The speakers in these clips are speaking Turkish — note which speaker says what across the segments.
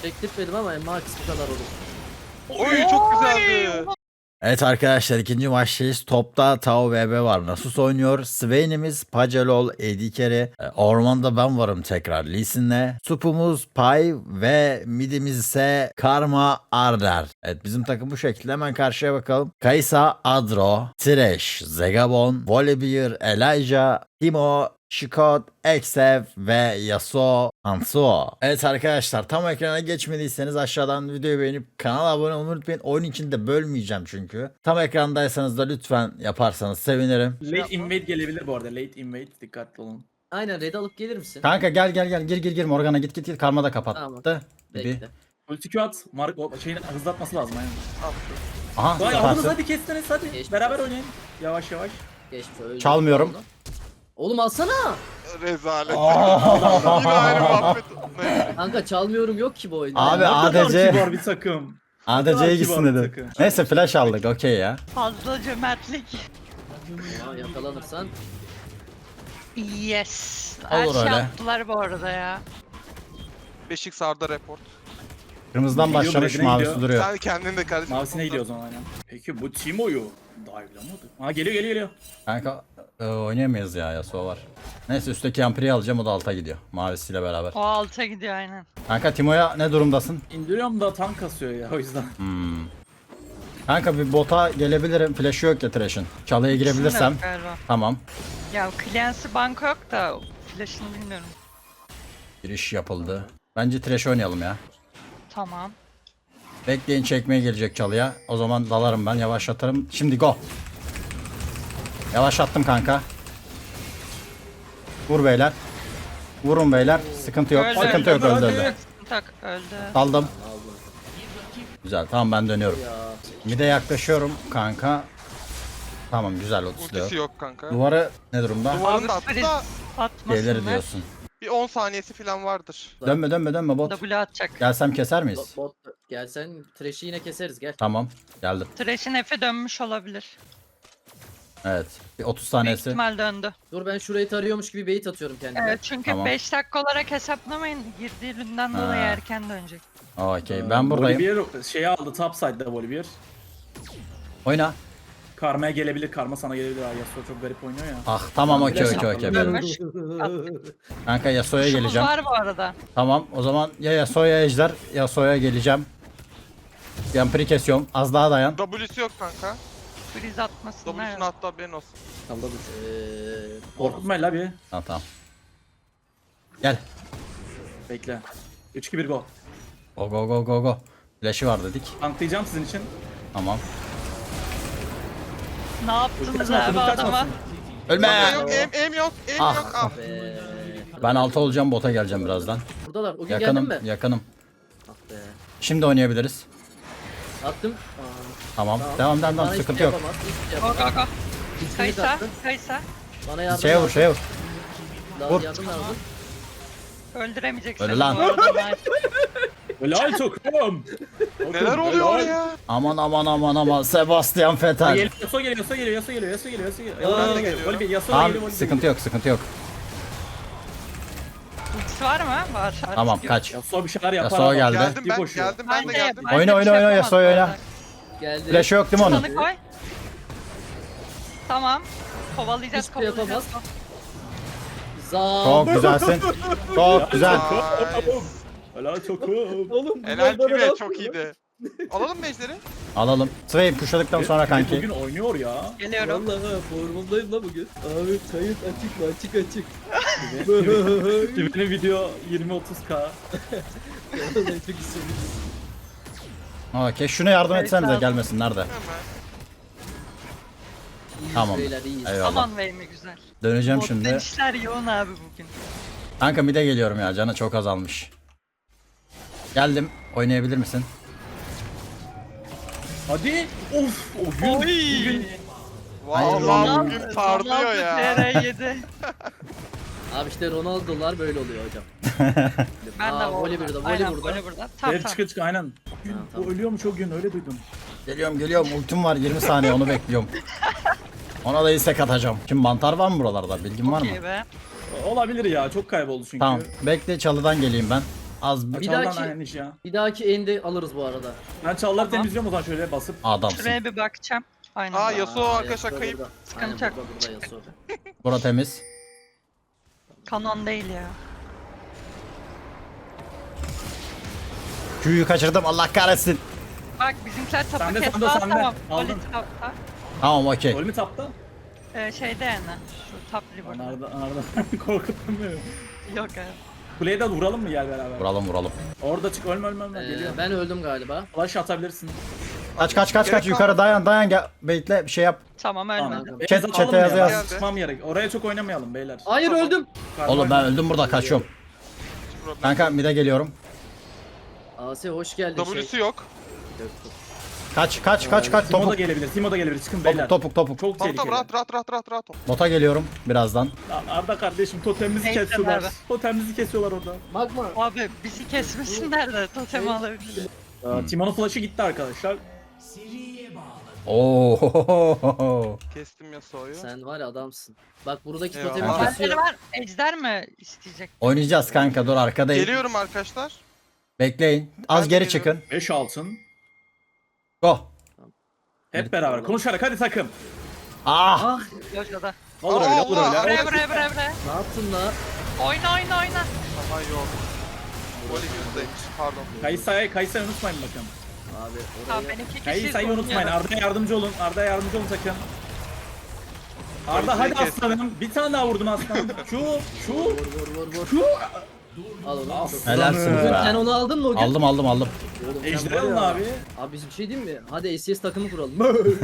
Speaker 1: Çektirtmedim ama max bu kadar olur.
Speaker 2: Oy çok güzeldi.
Speaker 3: Evet arkadaşlar, ikinci maçtayız. Topta Tao VB var. Nasus oynuyor. Swain'imiz Pacelol, AD Carry. Ormanda ben varım tekrar Lee Sin'le. Supumuz Pai ve midimiz ise Karma Arder. Evet, bizim takım bu şekilde. Hemen karşıya bakalım. Kaysa, Adro, Thresh, Zegabon, Volibear, Elijah, Timo, Shikot, Exev ve Yasuo Hansuo. Evet arkadaşlar, tam ekrana geçmediyseniz aşağıdan videoyu beğenip kanala abone olmayı unutmayın. Oyun içinde bölmeyeceğim çünkü. Tam ekrandaysanız da lütfen yaparsanız sevinirim.
Speaker 4: Late invade gelebilir bu arada. Late invade dikkatli olun.
Speaker 1: Aynen red alıp gelir misin?
Speaker 3: Kanka gel gir Morgana git Karma da kapattı.
Speaker 1: Tamam.
Speaker 3: Gibi.
Speaker 1: Bekle.
Speaker 4: Ulti Q at. Mark o şeyini hızlatması lazım aynen.
Speaker 3: Aha,
Speaker 4: Vay aldınız
Speaker 3: yaparsın.
Speaker 4: hadi kestiniz hadi.
Speaker 1: Geçmiş
Speaker 4: Beraber
Speaker 1: olsun.
Speaker 4: oynayın. Yavaş yavaş.
Speaker 1: Geçmiş öyle.
Speaker 3: Çalmıyorum.
Speaker 1: Oğlum alsana.
Speaker 2: Rezalet. Yine aynı muhabbet. Neyse.
Speaker 1: Kanka çalmıyorum yok ki bu oyunda.
Speaker 3: Abi,
Speaker 4: Ne kadar
Speaker 3: ADC
Speaker 4: kibar bir takım.
Speaker 3: ADC'ye gitsin
Speaker 4: kibar bir
Speaker 3: dedim.
Speaker 4: takım.
Speaker 3: Neyse flash aldık, okey ya.
Speaker 5: Fazla cömertlik.
Speaker 1: Ya, yakalanırsan.
Speaker 5: Yes. Her
Speaker 3: Olur
Speaker 5: şey
Speaker 3: öyle.
Speaker 5: yaptılar bu arada ya.
Speaker 2: Beşik sarda report.
Speaker 3: Kırmızıdan
Speaker 4: Gidiyor,
Speaker 3: başlamış,
Speaker 4: Brad'ine
Speaker 3: mavisi
Speaker 4: gidiyor.
Speaker 3: duruyor.
Speaker 2: Sen kendin de kardeşim.
Speaker 4: Mavisine gidiyor o zaman aynen. Peki bu Timo'yu dive'lamadı. Ha geliyor.
Speaker 3: Kanka oynayamayız ya, Yasuo var. Neyse, üstteki Ampri'yi alacağım, o da alta gidiyor. Mavisiyle beraber.
Speaker 5: O alta gidiyor aynen.
Speaker 3: Kanka Timo'ya ne durumdasın?
Speaker 4: İndiriyorum da tank kasıyor ya o yüzden.
Speaker 3: Kanka bir bota gelebilirim. Flash'ı yok ya Thresh'in. Çalıya girebilirsem.
Speaker 5: İkisinin de yok galiba.
Speaker 3: Tamam.
Speaker 5: Ya Clancy banko yok da flash'ını bilmiyorum.
Speaker 3: Giriş yapıldı. Bence Thresh oynayalım ya.
Speaker 5: Tamam.
Speaker 3: Bekleyin, çekmeye gelecek çalıya. O zaman dalarım ben, yavaşlatırım. Şimdi go. Yavaşlattım kanka. Vur beyler. Vurun beyler. Sıkıntı yok.
Speaker 5: Öldü,
Speaker 3: Sıkıntı yok,
Speaker 4: öldü,
Speaker 3: öldü
Speaker 4: öldü.
Speaker 3: öldü.
Speaker 5: Tak öldü.
Speaker 3: Aldım. Güzel, tamam, ben dönüyorum.
Speaker 1: Ya.
Speaker 3: Mide yaklaşıyorum kanka. Tamam, güzel otusluyor.
Speaker 2: Ultisi yok kanka.
Speaker 3: Duvarı ne durumda?
Speaker 2: Duvarını da attı da
Speaker 5: Atmasınlar.
Speaker 3: Gelir diyorsun.
Speaker 2: bir 10 saniyesi falan vardır.
Speaker 3: Dönme bot.
Speaker 5: W atacak.
Speaker 3: Gelsem keser miyiz?
Speaker 1: Bot gelsen Thresh'i yine keseriz gel.
Speaker 3: Tamam, geldim.
Speaker 5: Thresh'in F'e dönmüş olabilir.
Speaker 3: Evet. Bir 30
Speaker 5: Büyük
Speaker 3: saniyesi.
Speaker 5: ihtimal döndü.
Speaker 1: Dur ben şurayı tarıyormuş gibi bait atıyorum kendime.
Speaker 5: Evet çünkü
Speaker 3: Tamam.
Speaker 5: 5 dakika olarak hesaplamayın. Girdiği üründen dolayı
Speaker 3: Ha.
Speaker 5: erken dönecek.
Speaker 3: Okey, ben buradayım.
Speaker 4: Volibear şeyi aldı top side'da Volibear.
Speaker 3: Oyna.
Speaker 4: Karma'ya gelebilir, Karma sana gelebilir. Ay Yasuo çok garip oynuyor ya.
Speaker 3: Ah tamam, okey.
Speaker 5: Dönmüş.
Speaker 3: Kanka Yasuo'ya
Speaker 5: Kuşumuz
Speaker 3: geleceğim.
Speaker 5: var bu arada.
Speaker 3: Tamam, o zaman ya Yasuo'ya ejder, Yasuo'ya geleceğim. Yampiri kesiyorum. Az daha dayan.
Speaker 2: W'si yok kanka.
Speaker 5: Freeze atmasınlar.
Speaker 2: W'sunu attı, haberin olsun.
Speaker 4: Salladı.
Speaker 1: Eee
Speaker 4: Korkutma la bir.
Speaker 3: Tamam. Gel.
Speaker 4: Bekle. 3-2-1 go.
Speaker 3: Go. Flash'ı var dedik.
Speaker 4: Tanklayacağım sizin için.
Speaker 3: Tamam.
Speaker 5: Ne yaptınız
Speaker 4: Kaçmasın,
Speaker 5: abi adama?
Speaker 4: kaçmasın.
Speaker 3: Ölme.
Speaker 2: Yok, aim yok,
Speaker 3: Ah.
Speaker 2: yok. Ah.
Speaker 3: Ben 6 olacağım, bota geleceğim birazdan.
Speaker 1: buradalar. O gün
Speaker 3: Yakınım,
Speaker 1: geldin mi?
Speaker 3: yakınım.
Speaker 1: Ah be.
Speaker 3: Şimdi oynayabiliriz.
Speaker 1: Attım.
Speaker 3: Tamam.
Speaker 1: Tamam.
Speaker 3: Devam.
Speaker 1: Bana
Speaker 3: Sıkıntı
Speaker 1: hiçbir
Speaker 3: yok.
Speaker 1: yapamaz, hiçbir
Speaker 5: Go
Speaker 1: yapamaz.
Speaker 5: go go.
Speaker 1: İkisini
Speaker 5: Kaysa.
Speaker 1: taktım.
Speaker 5: Kaysa.
Speaker 1: Bana yardım
Speaker 3: Şeye vur.
Speaker 1: Lazım,
Speaker 3: vur.
Speaker 1: yardım lazım.
Speaker 5: Öldüremeyeceksin.
Speaker 3: Öyle lan.
Speaker 5: bu arada, nice.
Speaker 4: Helal tokum.
Speaker 2: Neler oluyor ya?
Speaker 3: Aman. Sebastian Vettel.
Speaker 4: Yasuo geliyor.
Speaker 1: Aa,
Speaker 4: Yasuo
Speaker 3: Tamam,
Speaker 4: geliyor.
Speaker 3: sıkıntı yok.
Speaker 5: Ultisi var mı? Var. Artık
Speaker 3: Tamam,
Speaker 5: yok.
Speaker 3: kaç.
Speaker 4: Yasuo bir şeyler yapar
Speaker 3: Yasuo
Speaker 4: ama.
Speaker 3: geldi.
Speaker 2: Geldim
Speaker 4: Bir
Speaker 2: ben,
Speaker 4: koşuyor.
Speaker 2: geldim ben de
Speaker 5: Bence-
Speaker 2: geldim.
Speaker 5: bence
Speaker 3: Oyna,
Speaker 5: bir şey yapamaz
Speaker 3: Yasuo
Speaker 5: bu
Speaker 3: oyna.
Speaker 5: arada.
Speaker 1: Geldi.
Speaker 3: Flash'ı yok değil mi onun?
Speaker 5: Sana koy. Tamam. Kovalayacağız.
Speaker 1: Hiçbir şey yapamaz.
Speaker 5: kovalayacağız.
Speaker 1: Zaa.
Speaker 3: Çok güzelsin. Çok güzel.
Speaker 4: Helal tokum.
Speaker 1: Oğlum
Speaker 2: Helal pibe, çok iyiydi. Alalım mı ejderi?
Speaker 3: Alalım. Swain pushladıktan sonra kanki.
Speaker 4: Bugün oynuyor ya.
Speaker 5: Geliyorum.
Speaker 1: Vallahi ha, formundayım la bugün. Abi kayıt açık mı? Açık.
Speaker 4: Benim video 20-30k.
Speaker 1: Vallahi çok istedim.
Speaker 3: Okey, şuna yardım
Speaker 5: Evet,
Speaker 3: etsenize,
Speaker 5: lazım.
Speaker 3: gelmesin. Nerede?
Speaker 2: Hemen.
Speaker 1: İyiyiz
Speaker 3: Tamam.
Speaker 1: beyler iyiyiz.
Speaker 3: Eyvallah.
Speaker 5: Aman bey mi güzel.
Speaker 3: Döneceğim
Speaker 5: Bot'tan
Speaker 3: şimdi.
Speaker 5: işler yoğun abi bugün.
Speaker 3: Kanka mide geliyorum ya, canı çok azalmış. Geldim. Oynayabilir misin?
Speaker 4: Hadi. Of. O gün. Bugün.
Speaker 2: Vallahi bugün parlıyor ya.
Speaker 5: TR7.
Speaker 1: Abi işte Ronaldo'lar böyle oluyor hocam.
Speaker 5: Ben de
Speaker 1: Voli burada,
Speaker 5: Aynen,
Speaker 1: voli burada.
Speaker 5: voli burada. Tamam
Speaker 4: Dev
Speaker 5: tamam.
Speaker 4: çık aynen. Gün,
Speaker 1: tamam.
Speaker 4: O ölüyor mu çok gün öyle duydum.
Speaker 3: Geliyorum. Ultim var, 20 saniye, onu bekliyorum. Ona da istek atacağım. Şimdi mantar var mı buralarda? Bilgin var mı?
Speaker 5: Okey be.
Speaker 4: Olabilir ya çok kayboldu çünkü.
Speaker 3: Tamam. Bekle, çalıdan geleyim ben. Az bir
Speaker 4: Bir
Speaker 6: dahaki-
Speaker 4: dahaki... ya.
Speaker 6: Bir dahaki endi alırız bu arada.
Speaker 4: Ben çalıları
Speaker 5: Tamam.
Speaker 4: temizliyorum o zaman şöyle basıp.
Speaker 3: adamsın.
Speaker 5: Şuraya bir bakacağım. Aynen.
Speaker 2: Aa, Yasuo arkadaşlar
Speaker 6: Yasuo
Speaker 2: kayıp.
Speaker 6: burada.
Speaker 5: Sıkıntı
Speaker 6: Aynen,
Speaker 5: yok.
Speaker 6: burada Yasuo.
Speaker 3: Bura temiz.
Speaker 5: Kanon değil ya.
Speaker 3: Q'yu kaçırdım Allah kahretsin.
Speaker 5: Bak bizimkiler tapa
Speaker 4: Sende,
Speaker 5: kesti.
Speaker 4: sende,
Speaker 5: Aa,
Speaker 4: sende.
Speaker 5: tamam.
Speaker 4: Aldın.
Speaker 5: Oli tapta.
Speaker 3: Tamam okey.
Speaker 4: Gol mü tapta?
Speaker 5: Şeyde yani. Şu top river'da.
Speaker 4: Arda korkuttun beni.
Speaker 5: Yok abi.
Speaker 4: Kuleye de vuralım mı gel beraber?
Speaker 3: Vuralım vuralım.
Speaker 4: Orada çık ölme geliyor.
Speaker 6: Ben öldüm galiba.
Speaker 4: Flash atabilirsin.
Speaker 3: Kaç
Speaker 2: Gerek
Speaker 3: yukarı dayan gel. Bekle bir şey yap.
Speaker 5: Tamam
Speaker 4: Tamam.
Speaker 5: ölmedim.
Speaker 4: Beyler,
Speaker 3: Chat-
Speaker 4: atalım
Speaker 3: chat'e
Speaker 4: ya,
Speaker 3: yaz,
Speaker 4: ben
Speaker 2: yaz.
Speaker 4: Çıkmam gerek. Oraya çok oynamayalım beyler.
Speaker 6: Hayır
Speaker 2: Tamam.
Speaker 6: öldüm.
Speaker 3: Oğlum ben öldüm burada kaçıyorum.
Speaker 2: Hiç problem.
Speaker 3: Kanka mid'e geliyorum.
Speaker 6: Asi hoş geldin.
Speaker 2: W'su yok.
Speaker 3: Kaç
Speaker 4: Timo da
Speaker 3: topuk
Speaker 4: gelebilir. Timo da gelebilir. Çıkın beyler.
Speaker 3: topuk.
Speaker 4: Çok
Speaker 2: Tamam
Speaker 4: tehlikeli.
Speaker 2: tamam rahat ol.
Speaker 3: Bota geliyorum birazdan.
Speaker 4: Arda kardeşim totemimizi
Speaker 5: Neyse,
Speaker 4: kesiyorlar.
Speaker 5: nerede?
Speaker 4: Totemimizi kesiyorlar orada.
Speaker 6: Magma.
Speaker 5: Abi bizi kesmesinler de totemi alabilir.
Speaker 4: Timo'nun flash'ı gitti arkadaşlar.
Speaker 3: Oo.
Speaker 2: Kestim Yasuo'yu.
Speaker 6: Sen var ya adamsın. Bak buradaki
Speaker 2: Eyvallah.
Speaker 6: totemi
Speaker 2: Aa.
Speaker 6: kesiyor.
Speaker 5: Var. Ejder mi isteyecek?
Speaker 3: Oynayacağız kanka dur arkadayım.
Speaker 2: Geliyorum arkadaşlar.
Speaker 3: Bekleyin. Az
Speaker 2: Ben de
Speaker 3: geri
Speaker 2: geliyorum.
Speaker 3: çıkın.
Speaker 4: 5 altın.
Speaker 3: Go.
Speaker 4: Hep beraber konuşarak hadi takım.
Speaker 3: Ah.
Speaker 6: Ah
Speaker 5: Yojo'da.
Speaker 4: Olur öyle olur
Speaker 2: Allah.
Speaker 4: öyle.
Speaker 5: Buraya.
Speaker 6: ne yaptın la?
Speaker 5: Oyna.
Speaker 2: Aha yok. Voli yüzdeymiş pardon.
Speaker 4: Kayısa'yı unutmayın bakın.
Speaker 6: Abi
Speaker 5: Tamam
Speaker 6: oraya.
Speaker 5: ben 2 kişiyiz.
Speaker 4: Kayısa'yı unutmayın.
Speaker 5: oynuyorum.
Speaker 4: Arda'ya yardımcı olun. Arda'ya yardımcı olun takım. Arda hadi
Speaker 2: Kayısa'yı kes.
Speaker 4: aslanım. Bir tane daha vurdun aslanım. Şu.
Speaker 6: Vur. Al onu.
Speaker 4: Aslanım.
Speaker 3: Helarsiniz
Speaker 6: Sen
Speaker 3: be.
Speaker 6: onu aldın mı o gün?
Speaker 3: Aldım.
Speaker 6: Oğlum sen
Speaker 4: Ejder
Speaker 6: var
Speaker 4: alın
Speaker 6: ya.
Speaker 4: abi.
Speaker 6: Abi biz bir şey diyeyim mi? Hadi ACS takımı kuralım.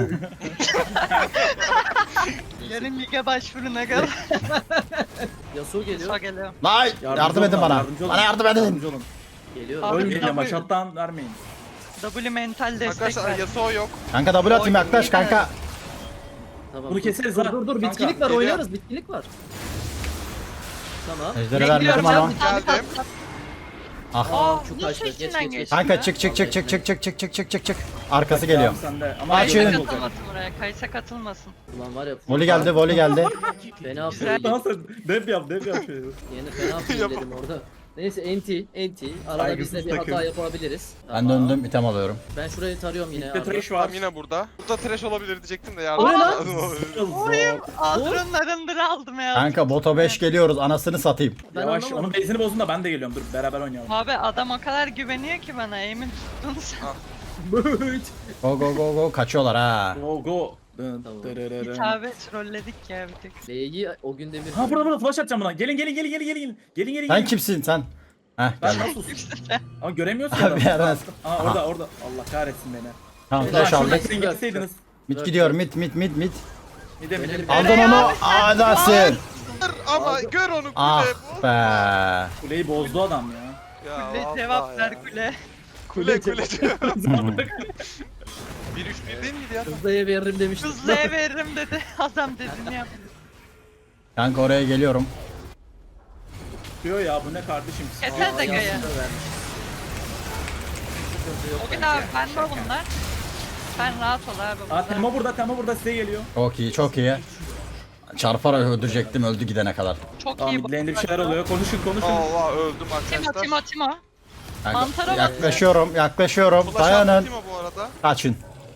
Speaker 5: Yarın lige başvuruna kadar.
Speaker 6: Yasuo geliyor.
Speaker 5: Sağ geliyor.
Speaker 3: Lan yardım edin bana.
Speaker 4: olun.
Speaker 3: Bana yardım edin.
Speaker 4: Yardımcı olun.
Speaker 6: Geliyor.
Speaker 5: Abi,
Speaker 4: Ölmeyin ama
Speaker 5: tabii.
Speaker 4: şattan vermeyin.
Speaker 5: W mental destek
Speaker 2: Arkadaşlar
Speaker 5: ver.
Speaker 2: Yasuo yok.
Speaker 3: Kanka double atayım yaklaş kanka.
Speaker 6: Tamam.
Speaker 4: Bunu keseriz
Speaker 6: dur,
Speaker 4: ha.
Speaker 6: Dur
Speaker 4: Kanka,
Speaker 6: bitkinlik var
Speaker 2: geliyor.
Speaker 6: oynarız bitkinlik var. Tamam.
Speaker 3: Ejderi
Speaker 5: Bekliyorum
Speaker 3: vermedim
Speaker 5: ya,
Speaker 3: ama.
Speaker 5: bir tane
Speaker 2: Geldim.
Speaker 5: tat.
Speaker 3: Ah.
Speaker 5: Aa,
Speaker 6: Çok
Speaker 5: nasıl
Speaker 6: kaçtı. Geç,
Speaker 5: içinden
Speaker 6: geç,
Speaker 5: geçti?
Speaker 3: Kanka çık. Arkası geliyor.
Speaker 4: Tamam, sende. Ama
Speaker 3: Açın.
Speaker 4: Ejder
Speaker 5: Kaysa
Speaker 4: olacak.
Speaker 5: katılmasın buraya. Kaysa katılmasın.
Speaker 6: Ulan var ya.
Speaker 3: Voli geldi.
Speaker 6: Fena
Speaker 5: Güzel.
Speaker 4: Nasıl? Dev yap.
Speaker 6: Yeni fena dedim orada. Neyse NT. Arada
Speaker 4: Saygısız
Speaker 6: biz de bir
Speaker 4: takım.
Speaker 6: hata yapabiliriz.
Speaker 3: Ben döndüm item alıyorum.
Speaker 6: Ben şurayı tarıyorum yine.
Speaker 4: Bir de
Speaker 6: Arda.
Speaker 4: trash var.
Speaker 2: Tamam yine burada. Burada trash olabilir diyecektim de yardım.
Speaker 6: O ne lan?
Speaker 5: Ağzının arındır aldım ya.
Speaker 3: Kanka bota 5 geliyoruz anasını satayım.
Speaker 6: Ben
Speaker 4: Yavaş
Speaker 6: anlamadım.
Speaker 4: onun base'ini bozun da ben de geliyorum. Dur beraber oynayalım.
Speaker 5: Abi adam o kadar güveniyor ki bana. Emin tuttun sen.
Speaker 3: Go kaçıyorlar ha.
Speaker 4: Go.
Speaker 5: Hitabet trolledik ya bir tık.
Speaker 6: L'yi o günde bir...
Speaker 4: Ha burada flash atacağım buna. Gelin.
Speaker 3: Sen kimsin sen? Heh
Speaker 4: Ben
Speaker 3: geldim.
Speaker 4: nasıl? Ama göremiyorsun
Speaker 3: Abi,
Speaker 4: adamı.
Speaker 3: yerden-
Speaker 4: Aa orada. Allah kahretsin beni.
Speaker 3: Tamam
Speaker 6: Beyler,
Speaker 3: flash aldık.
Speaker 4: Şuradan gitseydiniz.
Speaker 3: Mid gidiyor mid.
Speaker 4: Midem.
Speaker 3: Aldın onu. Adasın.
Speaker 2: Ama gör onu kule.
Speaker 3: Ah
Speaker 2: bu.
Speaker 3: be.
Speaker 4: Kuleyi bozdu adam ya.
Speaker 2: Ya
Speaker 5: Kule
Speaker 2: vallahi
Speaker 5: cevap
Speaker 2: ya.
Speaker 5: ver kule.
Speaker 2: Kule diyorum. 1-3-1 değil miydi ya?
Speaker 6: Hızlıya veririm demiştim.
Speaker 5: Hızlıya veririm dedi. Adam dediğini yap.
Speaker 3: Kanka oraya geliyorum.
Speaker 4: Diyor ya bu ne kardeşim?
Speaker 5: Keser de gaya.
Speaker 6: Yansıda vermiş. Sıkıntı yok
Speaker 5: O gün
Speaker 6: bence.
Speaker 5: abi ben de bunlar. Sen rahat ol abi.
Speaker 4: Aa Temo burada size geliyor.
Speaker 3: Çok iyi. Çarparak öldürecektim öldü gidene kadar.
Speaker 5: Çok
Speaker 4: Tamam
Speaker 5: iyi.
Speaker 4: midlane'de bir şeyler oluyor. Konuşun.
Speaker 2: Allah öldüm arkadaşlar.
Speaker 5: Timo.
Speaker 3: Kanka,
Speaker 5: Mantara bak.
Speaker 3: yaklaşıyorum.
Speaker 2: Flash attı
Speaker 3: Dayanın.
Speaker 2: Timo bu arada.
Speaker 3: Kaçın.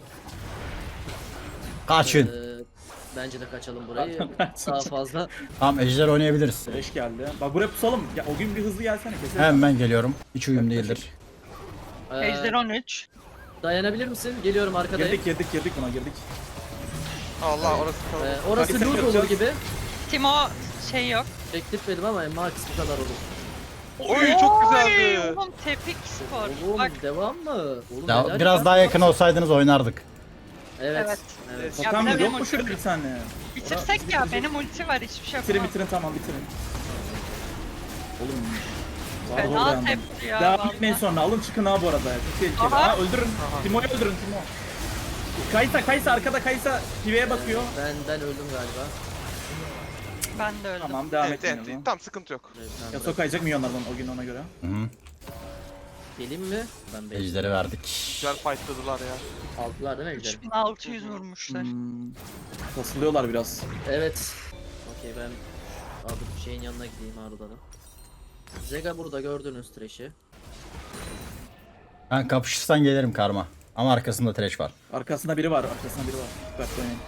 Speaker 6: Bence de kaçalım burayı. Daha fazla.
Speaker 3: Tamam ejder oynayabiliriz.
Speaker 4: Beş geldi. Bak buraya pusalım. Ya, o gün bir hızlı gelsene keselim.
Speaker 3: Hemen geliyorum. Hiç uyum değildir.
Speaker 5: Ejder 13.
Speaker 6: Dayanabilir misin? Geliyorum arkadayım.
Speaker 4: Girdik buna girdik.
Speaker 2: Allah orası kaldı.
Speaker 6: Orası
Speaker 4: Hadi sen
Speaker 6: loot olur
Speaker 4: yapacağız.
Speaker 6: gibi.
Speaker 5: Timo şey yok.
Speaker 6: Teklif ama max bu kadar olur.
Speaker 2: Oy çok güzeldi.
Speaker 5: Oğlum tepik skor.
Speaker 6: Oğlum
Speaker 5: Bak
Speaker 6: devam mı? Oğlum,
Speaker 3: Ya,
Speaker 6: helal
Speaker 3: biraz
Speaker 6: ya.
Speaker 3: daha yakın olsaydınız oynardık.
Speaker 6: Evet.
Speaker 5: Ya
Speaker 4: Totem
Speaker 5: bir de
Speaker 4: yok
Speaker 5: benim
Speaker 4: mu şurada bir tane?
Speaker 5: bitirsek ya benim ulti var hiçbir şey yapamam.
Speaker 4: Bitirin tamam bitirin. Oğlum. Var
Speaker 5: Fena
Speaker 4: orada yandım.
Speaker 5: tepki ya.
Speaker 4: Devam
Speaker 5: vallahi.
Speaker 4: etmeyin sonra alın çıkın ha bu arada. Çok tehlikeli.
Speaker 5: Aha.
Speaker 4: Ha öldürün. Timo'yu öldürün Timo. Kaysa arkada Kaysa piveye bakıyor.
Speaker 6: Ben öldüm galiba.
Speaker 5: Ben de öldüm.
Speaker 4: Tamam devam
Speaker 2: Evet
Speaker 4: etmeyin o zaman.
Speaker 2: tamam sıkıntı yok.
Speaker 4: Ya sokayacak milyonlardan o gün ona göre.
Speaker 3: Hı.
Speaker 6: Geleyim mi? Ben bekliyorum.
Speaker 3: Ejderi verdik.
Speaker 2: Güzel fightladılar ya.
Speaker 6: Aldılar değil mi ejder?
Speaker 5: 3600 vurmuşlar.
Speaker 4: Kasılıyorlar biraz.
Speaker 6: Evet. Okey ben abi şeyin yanına gideyim Arda'nın. Zega burada gördünüz trash'i.
Speaker 3: Ben kapışırsan gelirim karma. Ama arkasında trash var.
Speaker 4: Arkasında biri var. Dikkatli oynayın.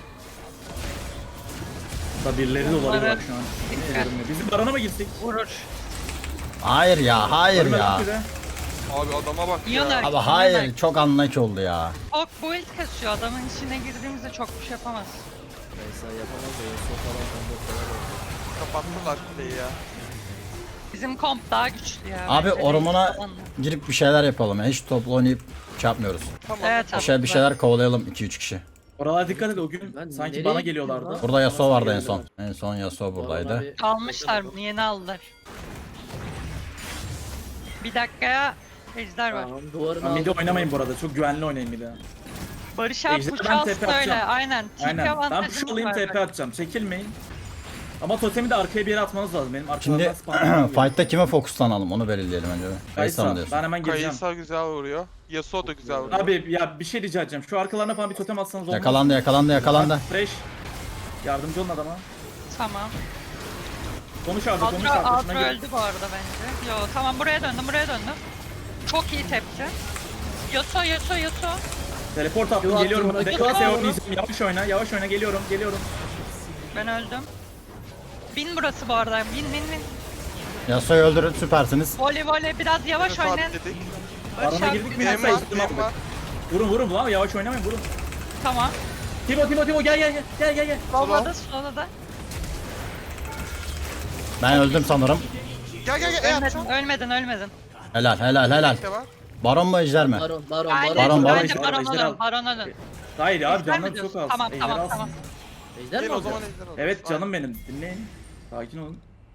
Speaker 4: Burada birileri de olabilir bak şu an. Bizim barona mı gitsek?
Speaker 5: Vurur.
Speaker 3: Hayır ya, hayır
Speaker 4: Ölmedik
Speaker 3: ya.
Speaker 4: bize.
Speaker 2: Abi adama bak ya.
Speaker 5: Yöner.
Speaker 3: Abi hayır, çok anlayıcı oldu ya.
Speaker 5: Çok build kasıyor. Adamın içine girdiğimizde çok bir şey yapamaz.
Speaker 6: Kaysa yapamaz da Yasuo falan combo falan oldu.
Speaker 2: Kapattılar kuleyi ya.
Speaker 5: Bizim komp daha güçlü ya.
Speaker 3: Abi
Speaker 5: bence.
Speaker 3: ormana
Speaker 5: Falan.
Speaker 3: girip bir şeyler yapalım ya. Hiç toplu oynayıp şey yapmıyoruz.
Speaker 2: Tamam.
Speaker 5: Evet abi.
Speaker 3: Bir şeyler kovalayalım 2-3 kişi.
Speaker 4: Oralara dikkat et, o gün
Speaker 6: Ben
Speaker 4: sanki
Speaker 6: nereye
Speaker 4: bana
Speaker 6: gittim
Speaker 4: geliyorlardı.
Speaker 6: lan?
Speaker 3: Burada Yasuo vardı en
Speaker 4: Geldiler.
Speaker 3: son. En son Yasuo buradaydı.
Speaker 6: Barona bir-
Speaker 5: Almışlar bunu, yeni aldılar. Bir dakikaya ejder var.
Speaker 6: Tamam, duvarını
Speaker 4: Ben midi
Speaker 6: aldım.
Speaker 4: oynamayın bu arada. Çok güvenli oynayın midi.
Speaker 5: Barış abi
Speaker 4: Ejder,
Speaker 5: push
Speaker 4: ben
Speaker 5: alsın
Speaker 4: TP
Speaker 5: öyle.
Speaker 4: atacağım.
Speaker 5: Aynen. TP
Speaker 4: Aynen. Ben
Speaker 5: avantajımız
Speaker 4: push alayım,
Speaker 5: var
Speaker 4: TP
Speaker 5: bak.
Speaker 4: atacağım. Çekilmeyin. Ama totemi de arkaya bir yere atmanız lazım. Benim
Speaker 3: Şimdi
Speaker 4: arkalardan spamlamam gerekiyor.
Speaker 3: fight'ta kime fokuslanalım onu belirleyelim önce. Kaysa mı diyorsun?
Speaker 4: Ben hemen gireceğim.
Speaker 2: Kayısa güzel vuruyor. Yasuo da güzel vuruyor.
Speaker 4: Abi ya bir şey rica edeceğim. Şu arkalarına falan bir totem atsanız olmaz.
Speaker 3: Yakalandı.
Speaker 4: Fresh. Yardımcı olun adama.
Speaker 5: Tamam.
Speaker 4: Konuş artık, konuş
Speaker 5: Adro,
Speaker 4: artık.
Speaker 5: Adro
Speaker 4: Şuna gel.
Speaker 5: öldü bu arada bence. Yo tamam, buraya döndüm. Çok iyi tepti. Yasuo.
Speaker 4: Teleport attım,
Speaker 6: Q
Speaker 4: geliyorum.
Speaker 6: attım,
Speaker 4: Ben
Speaker 6: Q attım.
Speaker 4: oynayacağım. Yavaş oyna, geliyorum.
Speaker 5: Ben öldüm. Bin burası bu arada. Bin.
Speaker 3: Yasuo'yu öldürün, süpersiniz.
Speaker 5: Voley biraz yavaş
Speaker 2: Bunu
Speaker 5: oynayın.
Speaker 2: sabitledik.
Speaker 5: Barış
Speaker 4: Arama
Speaker 5: abi.
Speaker 4: girdik mi?
Speaker 2: Benim
Speaker 4: Neyse,
Speaker 2: var,
Speaker 4: ihtimal
Speaker 2: benim
Speaker 4: aldık.
Speaker 2: var.
Speaker 4: Vurun lan, yavaş oynamayın, vurun.
Speaker 5: Tamam.
Speaker 4: Timo gel.
Speaker 5: Slow'da.
Speaker 3: Ben öldüm sanırım.
Speaker 2: Gel.
Speaker 5: Ölmedin.
Speaker 3: Helal.
Speaker 2: Ne var?
Speaker 3: Baron mu ejder mi?
Speaker 6: Baron.
Speaker 5: Aynen.
Speaker 3: Baron.
Speaker 5: Bence
Speaker 4: Baron, ejder al.
Speaker 5: Baron ölün.
Speaker 4: Hayır abi,
Speaker 5: Ejder mi
Speaker 4: canım çok
Speaker 5: diyorsun?
Speaker 4: az.
Speaker 5: Tamam,
Speaker 4: Ejder alsın.
Speaker 5: tamam.
Speaker 6: Ejder mi
Speaker 2: Gel o zaman
Speaker 6: alacağız?
Speaker 2: ejder alalım.
Speaker 4: Evet canım benim, dinleyin. Sakin olun.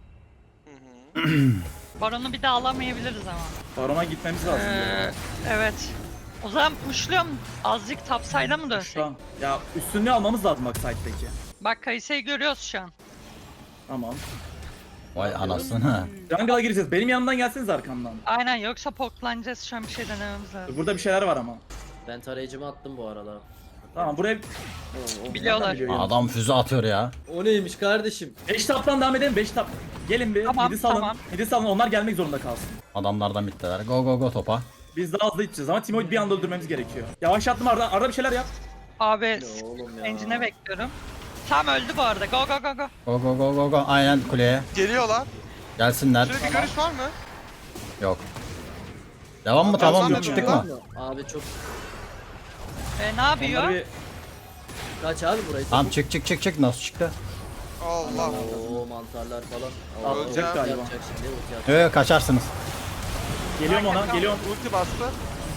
Speaker 5: Baron'u bir daha alamayabiliriz ama.
Speaker 4: Barona gitmemiz lazım.
Speaker 5: Evet. O zaman pushluyorum. Azıcık topside'a mı dönsek?
Speaker 4: Tamam. Ya üstünlüğü almamız lazım bak side'deki.
Speaker 5: Bak Kayse'yi görüyoruz şu an.
Speaker 4: Tamam.
Speaker 3: Vay anasını.
Speaker 4: Jungle'a gireceğiz. Benim yanımdan gelseniz arkamdan.
Speaker 5: Aynen, yoksa poklanacağız, şu an bir şey denememiz lazım.
Speaker 4: Burada bir şeyler var ama.
Speaker 6: Ben tarayıcımı attım bu arada.
Speaker 4: Tamam buraya...
Speaker 5: Biliyorlar.
Speaker 3: Adam füze atıyor ya.
Speaker 6: O neymiş kardeşim?
Speaker 4: 5 taptan devam edelim, 5 tap. Gelin bir,
Speaker 5: Tamam,
Speaker 4: midi salın.
Speaker 5: tamam.
Speaker 4: Midi salın, onlar gelmek zorunda kalsın.
Speaker 3: Adamlardan bittiler. Go topa.
Speaker 4: Biz daha hızlı gideceğiz ama Timo'yu bir anda öldürmemiz gerekiyor. Yavaşlattım Arda, Arda bir şeyler yap.
Speaker 5: Abi
Speaker 6: Ne oğlum ya?
Speaker 5: engine'e bekliyorum. Tam öldü bu arada. Go.
Speaker 3: Go. Aynen kuleye.
Speaker 2: Geliyorlar.
Speaker 3: Gelsinler.
Speaker 2: Sürekli görüş var mı?
Speaker 3: Yok. Devam mı? Tamam
Speaker 2: Tamam,
Speaker 3: çıktık
Speaker 2: tamam.
Speaker 3: mı?
Speaker 6: Abi çok...
Speaker 5: Ne yapıyor?
Speaker 4: Onları bir...
Speaker 6: Kaç abi burayı?
Speaker 3: Tamam çık. Nasıl çıktı?
Speaker 2: Allah.
Speaker 6: Oo mantarlar falan.
Speaker 4: Aa, ölecek
Speaker 6: ulti
Speaker 4: galiba.
Speaker 6: yapacak şimdi, ulti yapacak.
Speaker 3: Yok kaçarsınız.
Speaker 4: Geliyorum ona, geliyorum.
Speaker 2: Ulti bastı.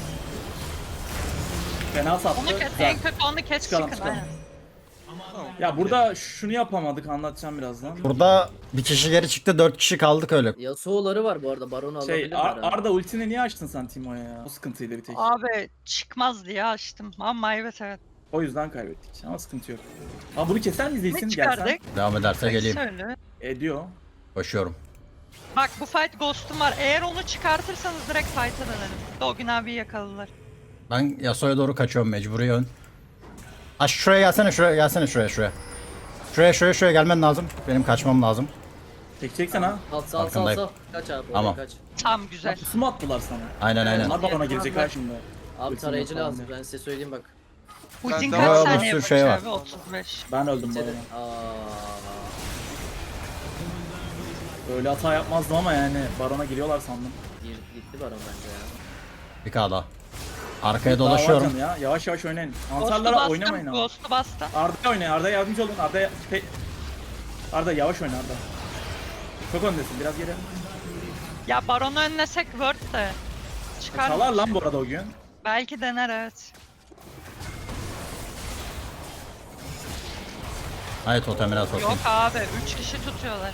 Speaker 4: Fena sattı.
Speaker 5: Onu kes,
Speaker 4: Güzel.
Speaker 5: en kötü onu kes,
Speaker 4: Çıkalım,
Speaker 5: çıkın.
Speaker 4: çıkalım.
Speaker 5: Aynen.
Speaker 4: Ya burada şunu yapamadık, anlatacağım birazdan.
Speaker 3: Burada bir kişi geri çıktı, 4 kişi kaldık öyle.
Speaker 6: Yasuo'ları var bu arada, Baron'u alabilir mi?
Speaker 4: Arda ultini niye açtın sen Timo'ya ya? O sıkıntıydı bir tek.
Speaker 5: Abi çıkmaz diye açtım ama evet.
Speaker 4: O yüzden kaybettik ama sıkıntı yok. Aa bunu keser miyiz
Speaker 5: Ne
Speaker 4: Lee'sin? Gelsen.
Speaker 5: çıkardık?
Speaker 3: Devam ederse geleyim.
Speaker 5: Söyle.
Speaker 4: Ediyor.
Speaker 3: Koşuyorum.
Speaker 5: Bak bu fight Ghost'um var. Eğer onu çıkartırsanız direkt fight'a dönelim. Dogun abi yakaladılar.
Speaker 3: Ben Yasuo'ya doğru kaçıyorum mecburi yön. Aş şuraya gelsene şuraya gelmen lazım. Benim kaçmam lazım.
Speaker 4: Çekeceksen ha.
Speaker 6: Sal.
Speaker 3: Farkındayım.
Speaker 6: Kaç abi,
Speaker 3: Tamam.
Speaker 6: kaç.
Speaker 5: Tam güzel.
Speaker 4: Pusu mu attılar sana?
Speaker 3: Aynen.
Speaker 4: Onlar barona girecek ha şimdi.
Speaker 6: Abi
Speaker 4: Ultim
Speaker 6: tarayıcı
Speaker 4: yok
Speaker 6: lazım,
Speaker 4: falan
Speaker 6: ben size söyleyeyim bak.
Speaker 5: Ultin
Speaker 2: Ben-
Speaker 5: kaç
Speaker 3: Aa, bir
Speaker 5: saniye
Speaker 3: sürü
Speaker 5: Barış
Speaker 3: şey var.
Speaker 5: abi? 35.
Speaker 4: Ben öldüm
Speaker 6: Seni...
Speaker 4: barona. Öyle hata yapmazdım ama yani barona giriyorlar sandım.
Speaker 6: Gitti Baron bence ya.
Speaker 3: Bir daha. Arkaya
Speaker 4: Daha var
Speaker 3: dolaşıyorum.
Speaker 4: canım ya. Yavaş oynayın.
Speaker 5: Ghost'u
Speaker 4: Mantarlara oynamayın
Speaker 5: bastım.
Speaker 4: ama.
Speaker 5: Ghost'u bastım.
Speaker 4: Arda oynayın. Arda yardımcı olun. Arda yavaş oyna Arda. Çok öndesin. Biraz geri.
Speaker 5: Ya Baron'u önlesek Word de. Çıkar.
Speaker 4: Çalar lan bu arada o gün.
Speaker 5: Belki dener, evet.
Speaker 3: Hayır totemine sokayım.
Speaker 5: Yok abi 3 kişi tutuyorlar.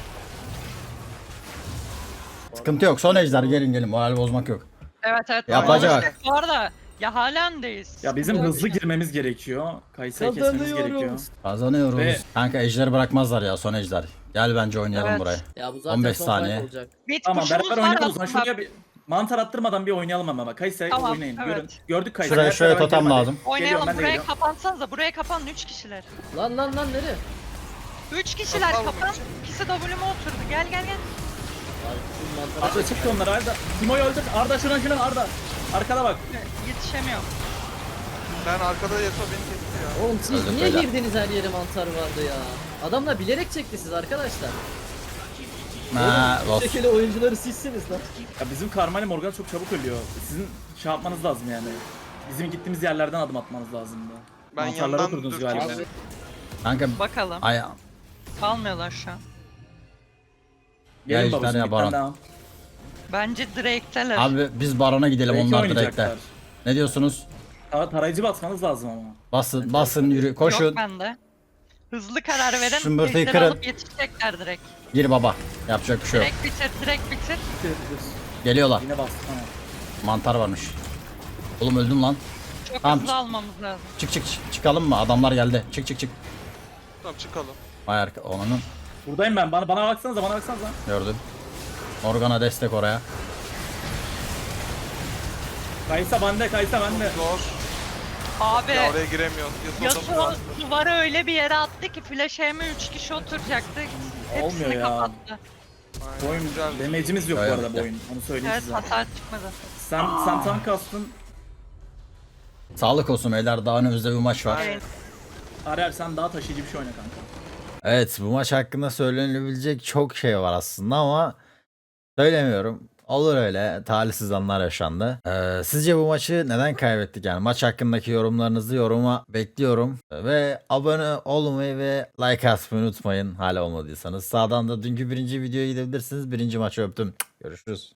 Speaker 3: Sıkıntı yok. Son ejder gelin. Moral bozmak yok.
Speaker 5: Evet.
Speaker 3: Yapacak.
Speaker 5: Bu arada ya halendeyiz.
Speaker 4: Ya bizim hızlı girmemiz gerekiyor. Kayısı'yı kesmemiz gerekiyor.
Speaker 3: Kazanıyoruz.
Speaker 4: Ve-
Speaker 3: Kanka ejderi bırakmazlar ya son ejder. Gel bence oynayalım
Speaker 5: Evet.
Speaker 3: burayı.
Speaker 6: Ya bu zaten
Speaker 3: 15
Speaker 6: son
Speaker 3: saniye.
Speaker 6: fight olacak.
Speaker 5: Mid
Speaker 4: Tamam
Speaker 5: push'umuz
Speaker 4: beraber
Speaker 5: var
Speaker 4: oynayalım o zaman.
Speaker 5: aslında.
Speaker 4: Şuraya bir mantar attırmadan bir oynayalım ama. Kayısı'yı
Speaker 5: Tamam,
Speaker 4: oynayın.
Speaker 5: evet.
Speaker 4: Görün. Gördük Kayısı'yı.
Speaker 3: Şuraya totem lazım.
Speaker 5: Oynayalım,
Speaker 4: ben de
Speaker 5: buraya
Speaker 4: geliyorum.
Speaker 5: kapansanıza, buraya kapanın 3 kişiler.
Speaker 6: Lan nereye?
Speaker 5: 3 kişiler
Speaker 2: Kapanın
Speaker 5: kapan,
Speaker 2: için.
Speaker 5: ikisi W'me oturdu, gel.
Speaker 6: Siz mantara
Speaker 4: Arda çıktı onlar Arda. Timo'yu öldür. Arda şuna Arda. Arkada bak.
Speaker 5: Yetişemiyorum.
Speaker 2: Ben arkada Yasuo beni kesti ya.
Speaker 6: Oğlum siz
Speaker 3: Öldük
Speaker 6: niye
Speaker 3: beyler.
Speaker 6: girdiniz her yere mantar vardı ya? Adamlar bilerek çekti siz arkadaşlar.
Speaker 3: Ha,
Speaker 6: Bu
Speaker 3: Lost.
Speaker 6: şekilde oyuncuları sizsiniz lan.
Speaker 4: Ya bizim Karma ile Morgana çok çabuk ölüyor. Sizin şey yapmanız lazım yani. Bizim gittiğimiz yerlerden adım atmanız lazımdı.
Speaker 2: Ben
Speaker 4: Mantarlara
Speaker 2: yandan
Speaker 4: oturdunuz
Speaker 2: dürteyim
Speaker 4: galiba.
Speaker 2: seni.
Speaker 3: Kanka
Speaker 5: Bakalım.
Speaker 3: ay
Speaker 5: Kalmıyorlar şu an.
Speaker 4: Gelin
Speaker 3: ejder
Speaker 4: babacım
Speaker 3: ya
Speaker 4: bir
Speaker 3: Baron.
Speaker 4: tane daha.
Speaker 5: Bence Drake'teler.
Speaker 3: abi biz Baron'a gidelim
Speaker 4: Belki
Speaker 3: onlar
Speaker 4: oynayacaklar.
Speaker 3: direkte. Ne diyorsunuz?
Speaker 4: Tarayıcı basmanız lazım ama.
Speaker 3: Basın yürü koşun.
Speaker 5: Yok bende. Hızlı karar verin.
Speaker 3: Şımbırtıyı
Speaker 5: ejderi
Speaker 3: kırın.
Speaker 5: alıp yetişecekler direkt.
Speaker 3: Gir baba. Yapacak bir şey yok.
Speaker 5: Direkt bitir, direkt bitir.
Speaker 3: Geliyorlar.
Speaker 4: Yine bastı tamam.
Speaker 3: Mantar varmış. Oğlum öldüm lan.
Speaker 5: Çok
Speaker 3: Tamam.
Speaker 5: hızlı almamız lazım.
Speaker 3: Çıkalım mı? Adamlar geldi. Çık.
Speaker 2: Tamam çıkalım.
Speaker 3: Vay arka onun
Speaker 4: Buradayım ben. Bana baksanıza.
Speaker 3: gördüm. Morgana destek oraya.
Speaker 4: Kaysa bende.
Speaker 2: Zor.
Speaker 5: Abi
Speaker 2: Ya oraya giremiyoruz. Yasuo da
Speaker 5: Yasuo
Speaker 2: var.
Speaker 5: duvarı öyle bir yere attı ki flash aim'e 3 kişi oturacaktı. Hepsini
Speaker 4: Olmuyor ya.
Speaker 5: kapattı.
Speaker 4: Bu oyun damage'imiz yok bu
Speaker 3: Yok,
Speaker 4: arada
Speaker 3: yok.
Speaker 4: bu oyun. Onu söyleyeyim
Speaker 5: Evet,
Speaker 4: size.
Speaker 5: hasar çıkmadı.
Speaker 4: Sen tank kastın.
Speaker 3: Sağlık olsun beyler. Daha önümüzde bir maç var.
Speaker 5: Evet.
Speaker 4: Arer sen daha taşıyıcı bir şey oyna kanka.
Speaker 3: Evet bu maç hakkında söylenebilecek çok şey var aslında ama söylemiyorum. Olur öyle. Talihsiz anlar yaşandı. Sizce bu maçı neden kaybettik? Yani maç hakkındaki yorumlarınızı yoruma bekliyorum. Ve abone olmayı ve like atmayı unutmayın hala olmadıysanız. Sağdan da dünkü birinci videoya gidebilirsiniz. Birinci maçı öptüm. Görüşürüz.